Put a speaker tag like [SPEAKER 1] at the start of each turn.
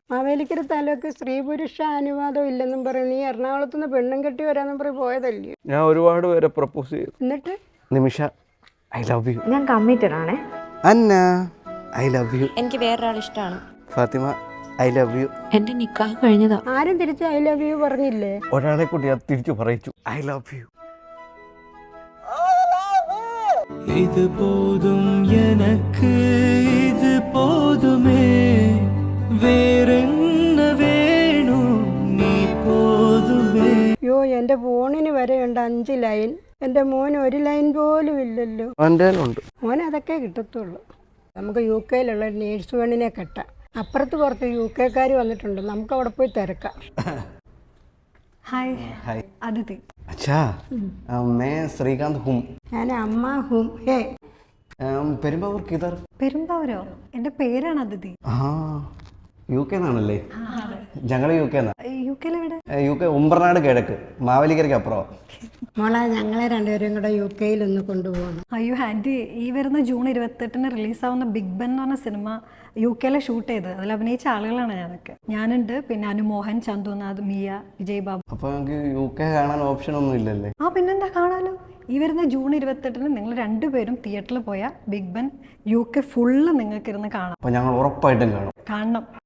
[SPEAKER 1] മാവേലിക്കര താലൂക്ക് സ്ത്രീ പുരുഷ അനുവാദം ഇല്ലെന്നും പറയും. നീ എറണാകുളത്ത് നിന്ന് പെണ്ണും കെട്ടി വരാന്നും പറയും പോയതല്ലേ?
[SPEAKER 2] ഞാൻ ഒരുപാട് പേരെ പ്രപ്പോസ് ചെയ്തു.
[SPEAKER 1] എന്നിട്ട്
[SPEAKER 2] നിമിഷ ഐ ലവ് യു.
[SPEAKER 3] ഞാൻ കമ്മിറ്റഡ് ആണേ.
[SPEAKER 2] Anna I love you.
[SPEAKER 3] എനിക്ക് വേറൊരാൾ ഇഷ്ടമാണ്.
[SPEAKER 2] Fathima I love you.
[SPEAKER 3] എന്റെ നിക്കാഹ് കഴിഞ്ഞതാ.
[SPEAKER 1] ആരും തിരിച്ച് ഐ ലവ് യു പറഞ്ഞില്ലേ?
[SPEAKER 2] ഒരാളെ കൂടി അത് തിരിച്ചു പറയിച്ചു. I love you.
[SPEAKER 4] இது போதும் எனக்கு, இது போதுமே, വേറെന്ന വേണു നീ പോതുമേ.
[SPEAKER 1] അയ്യോ, എൻ്റെ ഫോണിന് വരെയുണ്ട് 5 ലൈൻ. എൻ്റെ മോന് 1 ലൈൻ പോലും ഇല്ലല്ലോ.
[SPEAKER 2] എൻ്റെ ഉണ്ട്.
[SPEAKER 1] മോൻ അതൊക്കെ കിട്ടത്തുള്ളൂ. നമുക്ക് യു കെയിലുള്ള നേഴ്സ് പെണ്ണിനെ കെട്ടാം. അപ്പുറത്ത് പുറത്ത് യു കെക്കാർ വന്നിട്ടുണ്ട്, നമുക്ക് അവിടെ പോയി തിരക്കാം.
[SPEAKER 5] हाय
[SPEAKER 2] हाय
[SPEAKER 5] आदिति.
[SPEAKER 2] अच्छा मैं श्रीकांत हूँ.
[SPEAKER 1] ഞാൻ അമ്മ ഹും ഹേ.
[SPEAKER 2] പെരുമ്പാവൂർ കിതർ.
[SPEAKER 5] പെരുമ്പാവൂരോ? എൻ്റെ പേരാണ് അതിഥി.
[SPEAKER 2] ആ യു കെ എന്നാണല്ലേ? ഞങ്ങൾ യു കെ എന്നാ.
[SPEAKER 5] യു കെയിൽ എവിടെ?
[SPEAKER 2] യു കെ ഉമ്പർനാട് കിഴക്ക്, മാവേലിക്കരയ്ക്ക് അപ്പുറം.
[SPEAKER 1] മോളെ, ഞങ്ങളെ രണ്ടുപേരും കൂടെ യു കെയിൽ ഒന്ന് കൊണ്ടുപോകണം.
[SPEAKER 5] അയ്യോ ആൻറ്റി, ഈ വരുന്ന ജൂൺ 28 റിലീസാവുന്ന ബിഗ് ബൻ എന്ന് പറഞ്ഞ സിനിമ യു കെയിലെ ഷൂട്ട് ചെയ്ത് അതിൽ അഭിനയിച്ച ആളുകളാണ് ഞാനൊക്കെ. ഞാനുണ്ട്, പിന്നെ അനുമോഹൻ, ചന്തുനാഥ്, മിയ, വിജയ് ബാബു.
[SPEAKER 2] അപ്പൊ നമുക്ക് യു കെ കാണാൻ ഓപ്ഷൻ ഒന്നും ഇല്ലല്ലേ?
[SPEAKER 5] ആ പിന്നെന്താ, കാണാലോ. ഈ വരുന്ന ജൂൺ 28 നിങ്ങൾ രണ്ടുപേരും തിയേറ്ററിൽ പോയാൽ Big Ben U K full നിങ്ങൾക്ക് ഇരുന്ന് കാണാം.
[SPEAKER 2] അപ്പൊ ഞങ്ങൾ ഉറപ്പായിട്ടും കാണും.
[SPEAKER 5] കാണണം.